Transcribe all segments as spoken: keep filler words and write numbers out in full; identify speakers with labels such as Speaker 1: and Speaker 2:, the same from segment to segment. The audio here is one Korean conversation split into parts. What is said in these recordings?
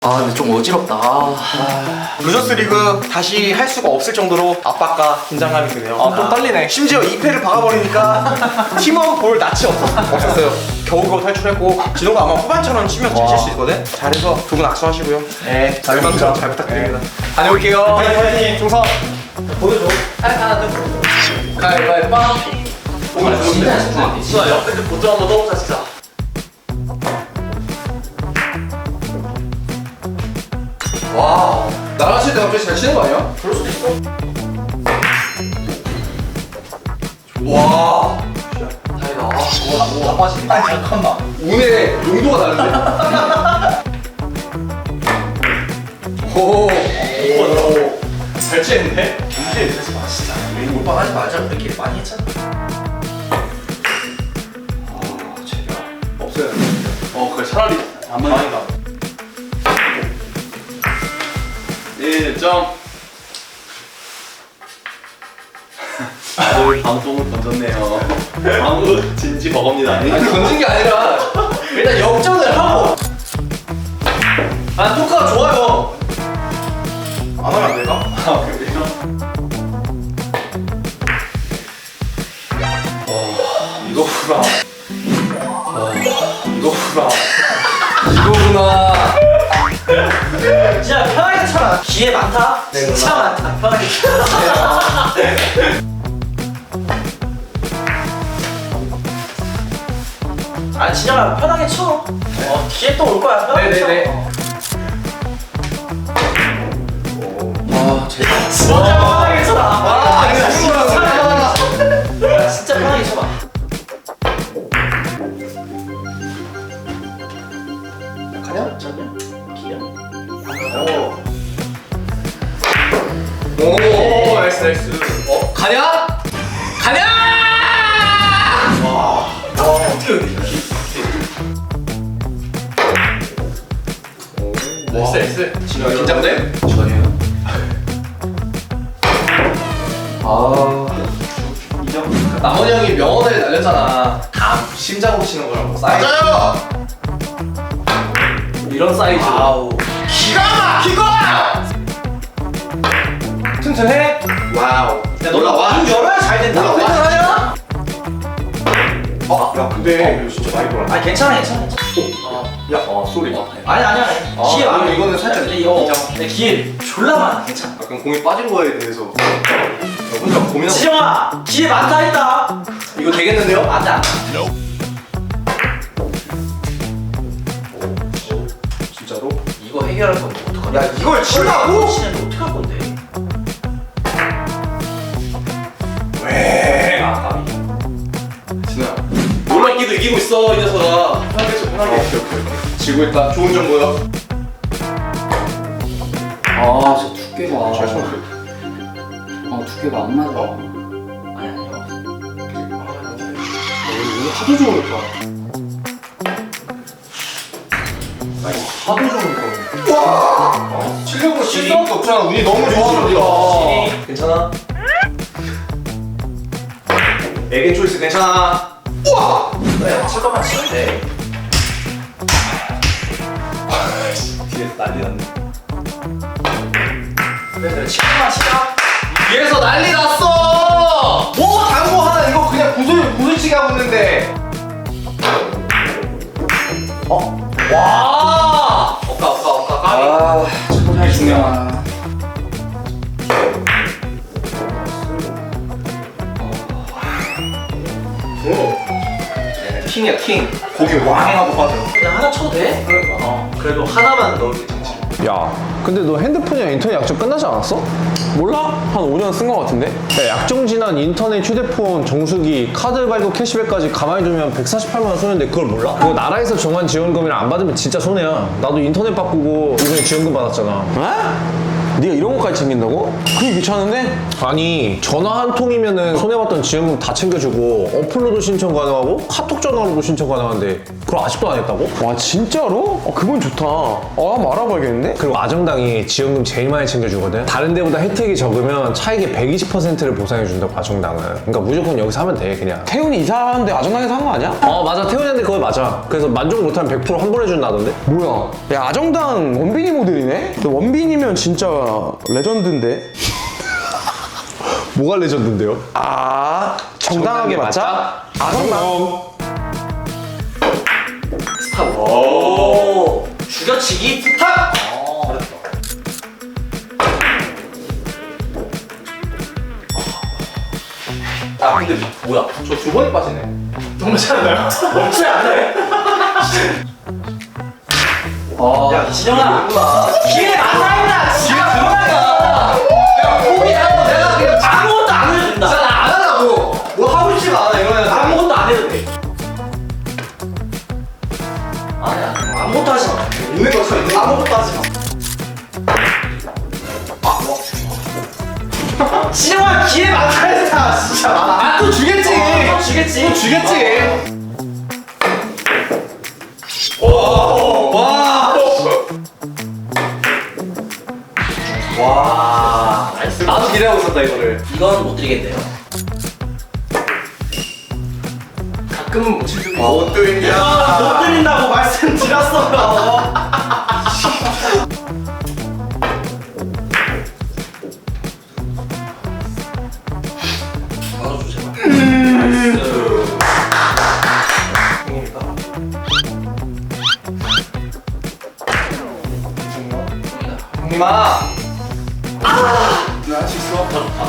Speaker 1: 아 근데 좀 어지럽다. 아...
Speaker 2: 루저스 리그 다시 할 수가 없을 정도로 압박과 긴장감이 드네요.
Speaker 1: 아, 또 떨리네.
Speaker 2: 심지어 이 패를 박아버리니까 팀원 볼 낯이 없- 없었어요. 겨우겨우 탈출했고 진호가 아마 후반처럼 치면 잘 칠 수 있거든. 잘해서 두 분 악수하시고요.
Speaker 1: 네, 잘
Speaker 2: 열만큼
Speaker 1: 먹자.
Speaker 2: 잘 부탁드립니다.
Speaker 1: 다녀올게요.
Speaker 2: 파이팅 파이팅 충성.
Speaker 1: 보여줘. 하나, 둘. 가위바위보.
Speaker 2: 오늘
Speaker 1: 진짜 진짜.
Speaker 2: 진짜 옆에 보조 한번 넣어보자 진짜.
Speaker 1: 와, 나랑 칠 때 갑자기 잘 치는 거 아니야?
Speaker 2: 그럴 수도 있어.
Speaker 1: 와. 다행이다. 와, 와, 빠지네. 아니 잠깐만. 운의 용도가 다른데? 오. 오. 잘 치는데?
Speaker 2: 문제 있으지 마 진짜. 우리 몰빵하지 말자. 우리끼리 많이 했잖아.
Speaker 1: 아, 제발.
Speaker 2: 없어요.
Speaker 1: 어, 그래 차라리 안 맞아.
Speaker 2: 다행이다.
Speaker 1: 일 점.
Speaker 3: 오늘 방송을 던졌네요. 아무 진지 버겁니다.
Speaker 1: 아니 던진 게 아니라 일단 역전을 하고. 아, 토크가 좋아요.
Speaker 2: 안 하면 안 될까?
Speaker 1: 아, 그래요? 어, 이거구나. 어, 이거구나. 이거구나.
Speaker 4: 진짜 편하게 쳐라. 기회 많다. 진짜 많다. 편하게 쳐라. 아 진짜 편하게 쳐. 어 기회 또 올 거야. 편하게
Speaker 1: 네네네.
Speaker 4: 쳐.
Speaker 1: 아, 제발.
Speaker 4: 진짜 편하게 쳐라.
Speaker 1: 아,
Speaker 4: 진짜
Speaker 1: 이거
Speaker 4: 편하게 쳐. 진짜 편하게 쳐봐.
Speaker 1: 가냐?
Speaker 4: 전혀. 기회.
Speaker 1: 오. 오, 나이스, 나이스. 어, 가냐? 가냐! 와, 어떻게 여기 이렇게. 나이스, 나이스. 진호야, 긴장돼?
Speaker 3: 전혀요.
Speaker 1: 아. 남원이 형이 명언을 날렸잖아. 다 심장으로 치는 거라고. 사이즈.
Speaker 2: 맞아요.
Speaker 1: 이런 사이즈.
Speaker 4: 아우.
Speaker 2: 기가 막히고.
Speaker 1: 튼튼해? 와우.
Speaker 4: 야 너가 문 열어야 잘 된다.
Speaker 1: 올라와.
Speaker 4: 튼튼하냐?
Speaker 2: 어, 야 근데 이거 진짜 많이 돌아.
Speaker 4: 아 괜찮아 괜찮아.
Speaker 2: 야, 어 쏘리.
Speaker 4: 아니 아니야.
Speaker 1: 아,
Speaker 4: 기회 많아.
Speaker 1: 이거는- 이거는 살짝
Speaker 4: 근데 이거
Speaker 1: 인정.
Speaker 4: 내 기회 졸라 많아. 괜찮아.
Speaker 2: 약간 공이 빠진 거에 대해서 혼자 고민하고.
Speaker 4: 지정아 기회 많다 했다.
Speaker 1: 이거 되겠는데요?
Speaker 4: 안돼 안돼.
Speaker 2: 진짜로?
Speaker 4: 이거 해결할 건데 어떡하냐?
Speaker 2: 야 이걸 친다고?
Speaker 4: 치는데 어떡할 건데?
Speaker 2: 왜?
Speaker 1: 아, 까비. 진호야. 놀랍기도 이기고 있어, 이 녀석아. 편하게 쳐, 편하게.
Speaker 2: 오케이 오케이 오케이.
Speaker 1: 지고 있다. 좋은 정보요.
Speaker 5: 아, 저 두께가.
Speaker 2: 잘 쳤어.
Speaker 5: 아, 두께가 안 맞아.
Speaker 4: 아니 아니.
Speaker 2: 오늘 하도 좋으니까.
Speaker 1: 하도 좋으니까.
Speaker 2: 와. 실력으로 칠 수밖에 없잖아. 운이 너무 좋아 우리가.
Speaker 1: 괜찮아? 에겐 초이스 괜찮아?
Speaker 2: 우와.
Speaker 4: 그래 칠 거만 치면 돼.
Speaker 1: 뒤에서 난리 났네.
Speaker 4: 그래 그래 칠 거만 치자.
Speaker 1: 뒤에서 난리 났어!
Speaker 2: 뭐 당구 하나 이거 그냥 구슬 구슬치기 하고 있는데.
Speaker 1: 어? 와! 없다, 없다, 없다. 까비.
Speaker 5: 아, 정말 중요하다.
Speaker 1: 킹이야, 킹. 고기 왕 하고 빠져.
Speaker 4: 그냥 하나 쳐도 돼?
Speaker 1: 그러니까.
Speaker 4: 어 그래도 하나만 넣을게 정신.
Speaker 6: 야, 근데 너 핸드폰이랑 인터넷 약정 끝나지 않았어?
Speaker 7: 몰라? 한 오 년 쓴 거 같은데?
Speaker 6: 야, 약정 지난 인터넷, 휴대폰, 정수기, 카드 발급, 캐시백까지 가만히 두면 백사십팔만 원 손해인데 그걸 몰라? 그거 나라에서 정한 지원금이랑 안 받으면 진짜 손해야. 나도 인터넷 바꾸고 이번에 지원금 받았잖아.
Speaker 7: 어? 네가 이런 것까지 챙긴다고? 그게 귀찮은데?
Speaker 6: 아니, 전화 한 통이면은 손해봤던 지원금 다 챙겨주고 업로드 신청 가능하고 카톡 전화로도 신청 가능한데 그걸 아직도 안 했다고?
Speaker 7: 와 진짜로? 어, 그건 좋다. 어 한번 알아봐야겠는데?
Speaker 6: 그리고 아정당이 지원금 제일 많이 챙겨주거든. 다른 데보다 혜택이 적으면 차익의 백이십 퍼센트를 보상해준다고 아정당은. 그러니까 무조건 여기서 하면 돼 그냥.
Speaker 7: 태훈이 이사하는데 아정당에서 한 거 아니야?
Speaker 6: 어 맞아, 태훈이한테 그거 맞아. 그래서 만족 못하면 백 퍼센트 환불해준다던데?
Speaker 7: 뭐야? 야 아정당 원빈이 모델이네? 너 원빈이면 진짜 레전드인데?
Speaker 6: 뭐가 레전드인데요?
Speaker 7: 아 정당하게 맞자? 아정당.
Speaker 4: 스탑. 오. 죽여치기 스탑.
Speaker 2: 아 근데 뭐야? 저 두 번이 빠지네.
Speaker 4: 너무 잘하나요? 멈추면 안 돼. 어. 야 진영아. 기회 많다. 지금 들어가.
Speaker 1: 포기하고 내가 그냥
Speaker 4: 아무것도 안 해도 된다.
Speaker 1: 진짜 나안 하라고. 뭐 하고 싶지가 않아 이러면.
Speaker 4: 아무것도 안 해도 돼. 아니야. 아무것도 하지 마.
Speaker 1: 있는 거 쳐, 있는 거.
Speaker 4: 아무것도 하지 마. 진영아 기회 많다 했다. 진짜 많아.
Speaker 1: 아, 또 주겠지.
Speaker 4: 어, 또 주겠지.
Speaker 1: 또 주겠지.
Speaker 4: 와.
Speaker 1: 나도 기대하고 있었다 이거를.
Speaker 4: 이건 못 드리겠네요.
Speaker 1: 가끔은 못 칠 줄도
Speaker 2: 아, 못 드립니다.
Speaker 4: 못 드린다고 말씀드렸어요. 나눠줘 제발.
Speaker 1: 형님아.
Speaker 2: 나할 수 있어.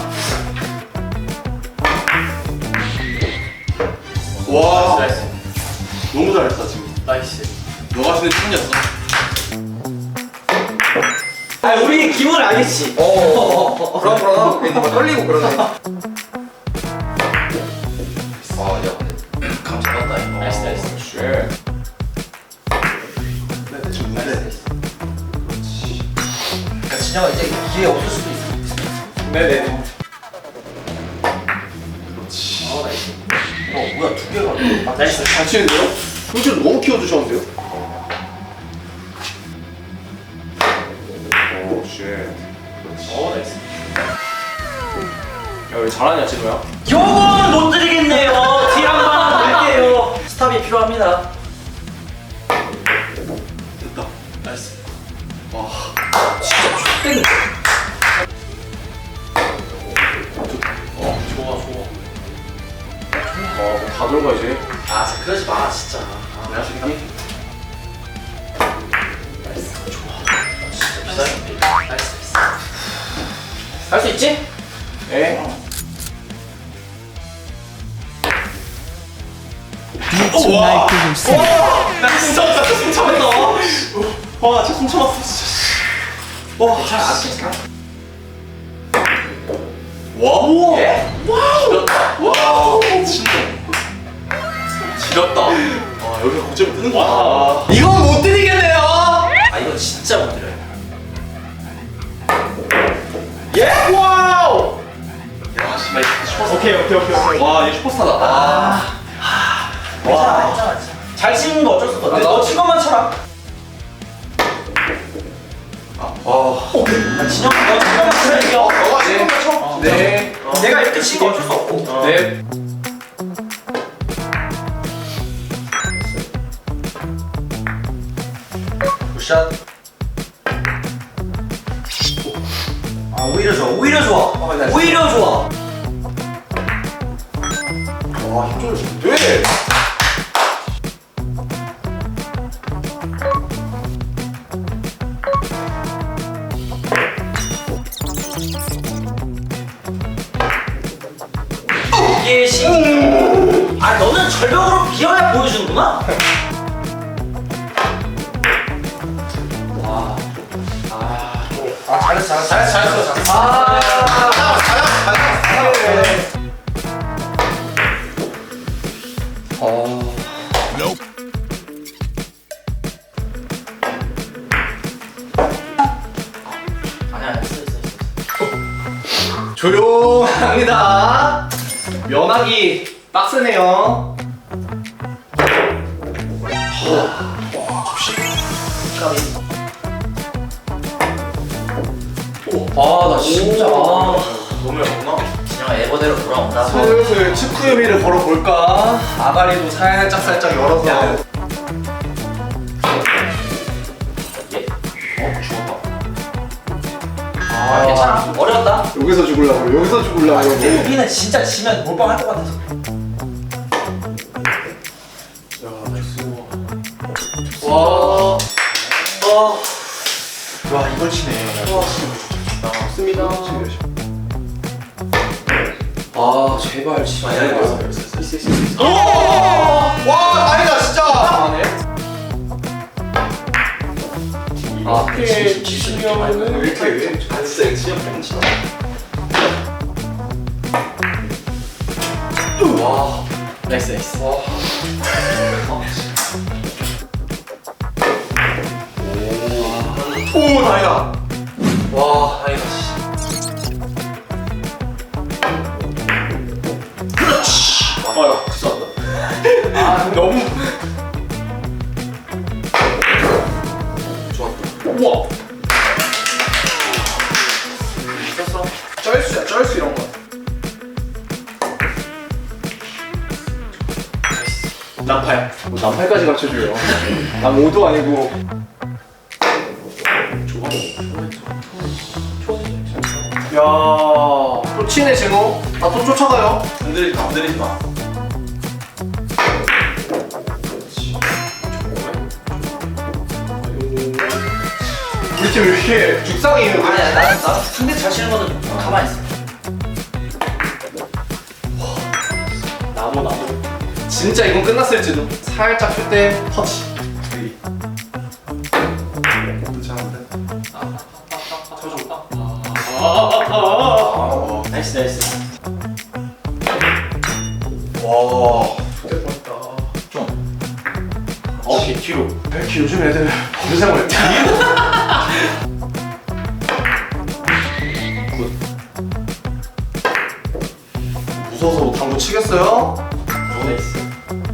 Speaker 2: 와
Speaker 4: 나이스.
Speaker 2: 너무 잘했다 지금.
Speaker 4: 나이스.
Speaker 2: 너가 쓰는 춤이었어.
Speaker 4: 아 우리 기분을 알겠지.
Speaker 2: 어. 그럼 그럼. 뭔가 떨리고 그러네.
Speaker 1: 아야 근데 감 잡았다 이거.
Speaker 4: 나이스 나이스.
Speaker 2: 쉣. 네 대충 네.
Speaker 1: 그러니까 진영아 이제 기회 없을 수도 있어.
Speaker 2: 네네.
Speaker 1: 어 뭐야 두 개가.
Speaker 4: 나이스.
Speaker 2: 잘 치는데요? 형질 너무 키워주셨는데요? 오 쉣.
Speaker 4: 어 나이스.
Speaker 2: 야왜 잘하냐 진호야?
Speaker 4: 요건 못 드리겠네요. 딜 한번 드릴게요. 스탑이 필요합니다.
Speaker 2: 됐다.
Speaker 4: 나이스.
Speaker 1: 땡.
Speaker 4: 어 좋아 좋아.
Speaker 2: 아다 들어가 이제.
Speaker 4: 아 진짜 그러지 마 진짜. 아,
Speaker 2: 내가 수 있니?
Speaker 4: 나이스 좋아. 진짜 비싸게. 나이스 나이스. 할 수 있지?
Speaker 2: 네.
Speaker 4: 와! 나 진짜 진짜 숨 참았다. 와, 진짜 숨 참았어, 진짜. 와, 괜찮아, 안 괜찮아.
Speaker 2: 와.
Speaker 4: 예?
Speaker 2: 지렸다. 와. 진짜. 지렸다. 아 여기서 고점을 뜨는 거야.
Speaker 1: 이건 못 드리겠네요.
Speaker 4: 아, 이거 진짜 못 드려요.
Speaker 2: 예? 와우. 야 씨발 슈퍼스타.
Speaker 4: 오케이, 오케이, 오케이, 오케이.
Speaker 2: 와얘 슈퍼스타다. 아.
Speaker 4: 괜찮아, 괜찮아. 잘 치는 거 어쩔 수 없어. 너친 것만 쳐라.
Speaker 2: 아.
Speaker 4: 오케이. 아, 진영, 너친 것만 쳐야 이겨.
Speaker 2: 너가 네. 쳐. 네.
Speaker 4: 어, 내가 이렇게 친 거 어쩔 수 없고.
Speaker 2: 네.
Speaker 1: 굿샷.
Speaker 4: 아, 오히려 좋아, 오히려 좋아. 오히려 좋아.
Speaker 2: 와 힘줘도 좋은데.
Speaker 4: 이게 시. 아, 너는 절벽으로 비어야 보여주는구나.
Speaker 1: 아 잘했어 잘했어 잘했어 잘했어. 아.
Speaker 4: 아니야, 아니야, 있어, 있어, 있어.
Speaker 1: 조용합니다. 면하기 빡세네요. 아나 진짜 아.
Speaker 3: 너무 얇구나.
Speaker 1: 진영아 에버대로 돌아온다.
Speaker 2: 슬슬 축구 유미를 걸어볼까? 아가리도 살짝 살짝 열어서.
Speaker 1: 야. 아, 괜찮아. 어려웠다.
Speaker 2: 여기서 죽으려고 여기서 죽으려고.
Speaker 1: 우리는 진짜 지면 몰빵할 것 같아서.
Speaker 2: 와. 와. 와 이걸 치네.
Speaker 1: 맞습니다. 아 제발 진짜.
Speaker 2: 와 다행이다 진짜.
Speaker 1: 아 이렇게 치면은
Speaker 3: 이렇게 왜? 아 진짜 이거 진짜 뻥치다.
Speaker 1: 와 나이스 나이스.
Speaker 2: 오 다행이다.
Speaker 1: 와 다행이다.
Speaker 3: 아야 됐어.
Speaker 2: 아 너무.
Speaker 3: 우와.
Speaker 1: 있었어.
Speaker 2: 쩔수야 쩔수 이런 거.
Speaker 3: 난파야.
Speaker 2: 뭐 난팔까지 갖춰줘요. 난 오도 아니고. 야, 또 치네 진호. 나또 쫓아가요.
Speaker 3: 건드리지 마. 건드리지 마.
Speaker 2: 우리 팀 왜 이렇게 죽상이 있는데?
Speaker 1: 아니야 나나 상대 잘 치는 거는 가만히 있어.
Speaker 3: 나무 나무.
Speaker 2: 진짜 이건 끝났을지도. 살짝 쉴 때 터치.
Speaker 1: 나이스 나이스.
Speaker 2: 와.
Speaker 3: 어, 개 뒤로.
Speaker 2: 왜 이렇게 요즘 애들 범상을 뒤로? 무서워서 당구 치겠어요?
Speaker 3: 나이스.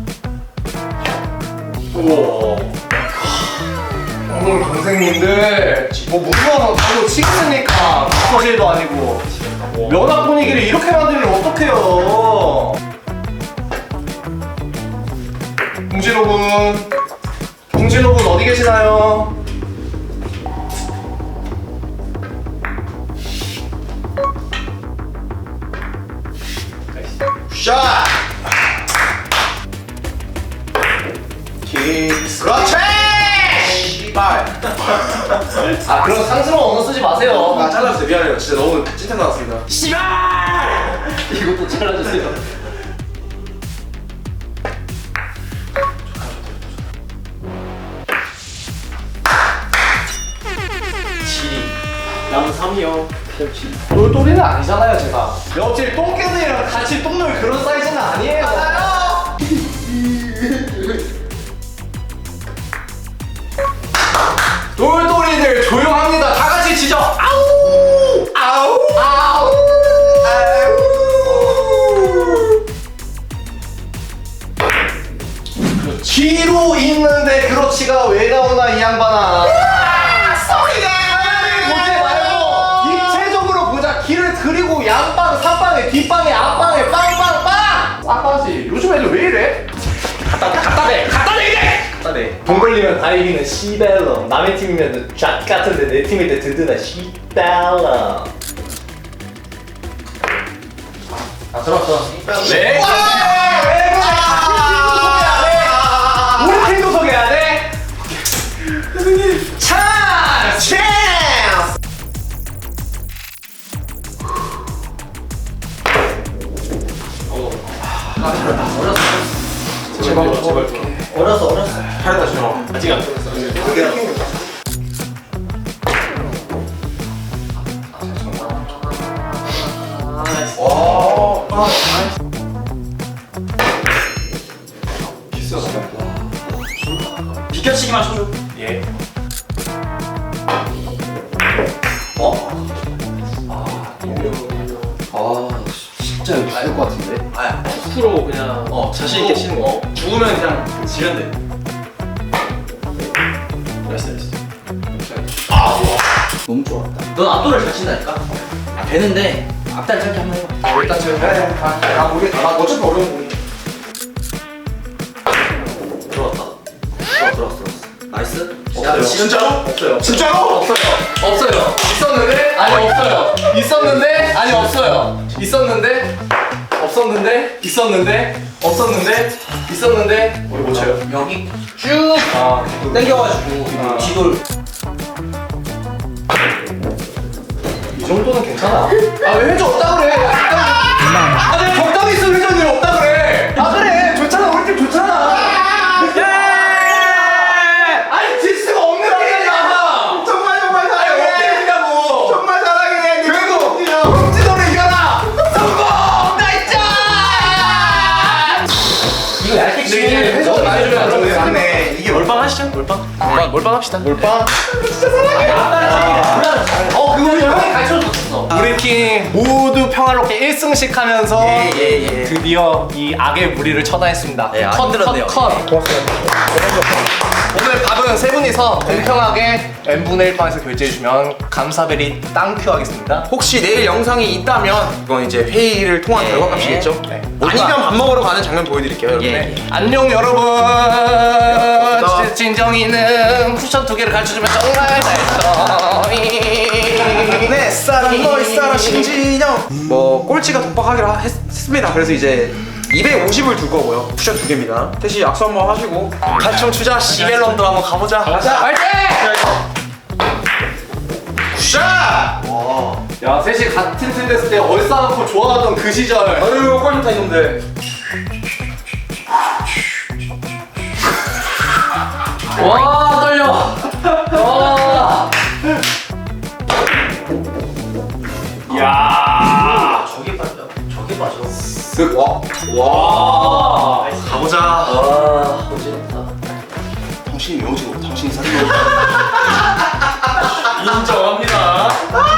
Speaker 2: 우와. 오늘 동생님들 뭐 무서워서 당구 치겠습니까? 무서질도 아니고 면학 분위기를 이렇게 만들면 어떡해요? 봉진호 군, 봉진호 군 어디 계시나요? 샷! 킥스 그렇지! 씨발
Speaker 1: 아 그런 상스러운 언어 쓰지 마세요.
Speaker 2: 아 잘라주세요 미안해요 진짜 너무 찐텐 나왔습니다
Speaker 1: 이것도 잘라주세요.
Speaker 3: 남 삼이요.
Speaker 2: 똘똘이는 아니잖아요 제가 옆집 똥개들이랑 같이 똥놀 그런 사이즈는 아니에요 맞아요 똘똘이들 조용합니다 다 같이 치죠 아우 아우 아우 아우 기로 있는데 그렇지가 왜 나오나 이 양반아 소리가 보지 말고 입체적으로 보자 길을 그리고 양방 삼방에 뒷방에 앞방에 빵빵빵 쌍방지 요즘 애들 왜 이래? 갖다 대 갖다 대 갖다 대 이래 갖다 대돈 걸리면 다 이기는 시벨러 남의 팀이면 잣 같은데 내 팀일 때 든든한 시벨러 아 들었어 네? 왜 그래 우리 팀도 소개해야 돼? 찬스! 찬스! 제발 제발
Speaker 1: 어려서 어렸어.
Speaker 2: 잘했다 진호
Speaker 3: 아직 안 끝났어.
Speaker 2: 와
Speaker 1: 비켜치기만 쳐줘.
Speaker 3: 예.
Speaker 1: 아 진짜 여기 죽을 것 같은데.
Speaker 3: 아, 프로 그냥 어 자신 있게 치는 거. 죽으면 그냥 지면 돼. 나이스 나이스.
Speaker 5: 너무 좋았다.
Speaker 1: 넌 앞돌을 잘 친다니까? 아, 되는데 앞다리 짧게 한번 해봐.
Speaker 2: 어, 일단 지금 해. 아, 아, 모르겠다. 나 어차피 어려운 거.
Speaker 1: 들어왔다. 들어왔어, 들어왔어, 들어왔어. 나이스.
Speaker 2: 없어요.
Speaker 1: 진짜로? 없어요.
Speaker 2: 진짜로?
Speaker 1: 없어요. 없어요. 있었는데? 아니, 없어요. 있었는데? 아니, 없어요. 있었는데? 없었는데? 있었는데? 없었는데? 있었는데?
Speaker 2: 우리 못 쳐요.
Speaker 1: 여기 쭉
Speaker 2: 아,
Speaker 1: 당겨가지고 뒤돌.
Speaker 2: 이 정도는 괜찮아. 아, 왜 회전 없다 그래? 아, 내가 적당히 쓴 회전이 없다 그래. 아, 그래. 좋잖아. 우리 팀 좋잖아. 아니, 지수가 없는 팀이야. 정말 정말 사랑해. 어떻게 정말 사랑해. 그래도 홈지도를 이겨라. 성공! 나이스!
Speaker 1: 이거 얇게 치면
Speaker 2: 회전 많이 주면 안 좋네. 맞네. 이게
Speaker 4: 몰빵 하시죠 몰빵. 몰빵 몰빵 합시다.
Speaker 2: 몰빵.
Speaker 1: 어, 그거 형이 가르쳐줬었어.
Speaker 2: 우리 팀 모두 평화롭게 일 승씩 하면서
Speaker 1: 예, 예, 예.
Speaker 2: 드디어 이 악의 무리를 처단했습니다.
Speaker 1: 예, 안
Speaker 2: 컷,
Speaker 1: 힘들었네요.
Speaker 2: 컷, 컷. 고맙습니다. 오늘 밥은 세 분이서 공평하게 n분의 일 방에서 결제해주면 감사베리 땅큐 하겠습니다.
Speaker 7: 혹시 내일 영상이 있다면 이건 이제 회의를 통한
Speaker 1: 예.
Speaker 7: 결과값이겠죠?
Speaker 2: 네.
Speaker 7: 아니면 밥 먹으러 가는 장면 보여드릴게요 여러분.
Speaker 1: 예.
Speaker 2: 네. 안녕 여러분. 진- 진정이는 쿠션 두 개를 가르쳐주면 정말 잘했어.
Speaker 7: 내 사랑 너의 사랑 신진영. 뭐 꼴찌가 독박하기로 하- 했, 했습니다. 그래서 이제 이백오십을 둘 거고요. 쿠션 두 개입니다. 대신 약속 한번 하시고
Speaker 2: 단총 추자 시벨런도 한번 가보자.
Speaker 7: 가자.
Speaker 2: 화이팅! 굿샷! 야 셋이 같은 팀 됐을 때 얼싸안고 좋아하던 그 시절.
Speaker 7: 아유 꼴 좋다 이놈들.
Speaker 1: 와, 떨려. 와.
Speaker 2: 야
Speaker 1: 저게 빠져. 저게 빠져.
Speaker 2: 쓱 와. 와.
Speaker 4: 가보자.
Speaker 1: 와, 어지럽다.
Speaker 4: 당신이 명지고 당신이 사귀고. 인정합니다.